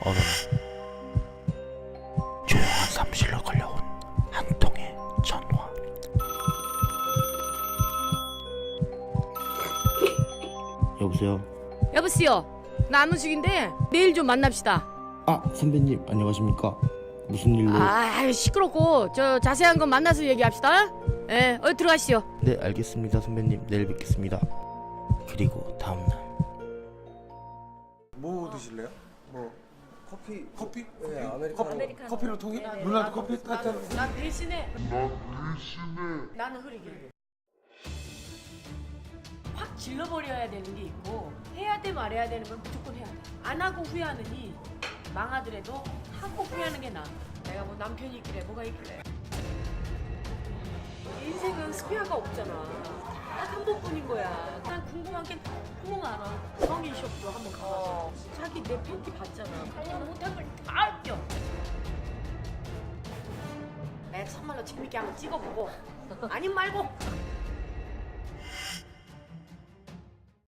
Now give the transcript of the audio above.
어느 날 조용한 사무실로 걸려온 한 통의 전화. 여보세요? 여보세요. 나 안무식인데 내일 좀 만납시다. 아, 선배님 안녕하십니까? 무슨 일로? 아 시끄럽고 저 자세한 건 만나서 얘기합시다. 예, 들어가시죠. 네, 알겠습니다 선배님. 내일 뵙겠습니다. 그리고 다음날 뭐 드실래요? 뭐 커피? 커피? 네, 아메리카노. 커피로 통이? 누나도 커피 따뜻한. 난 대신에 나는 흐리게 확 질러버려야 되는 게 있고 해야 돼 말해야 되는 건 무조건 해야 돼. 안 하고 후회하느니 망하더라도 하고 후회하는 게 나아. 내가 뭐 남편이 있길래 뭐가 있길래. 인생은 스페어가 없잖아. 딱 한 번뿐인 거야. 난 궁금한 게 너무 많아. 성인숍도 한번 가봐서 자기 내 팬티 봤잖아. 관리 못한 걸 다 웃겨. 내가 참말로 재밌게 한번 찍어보고 아님 말고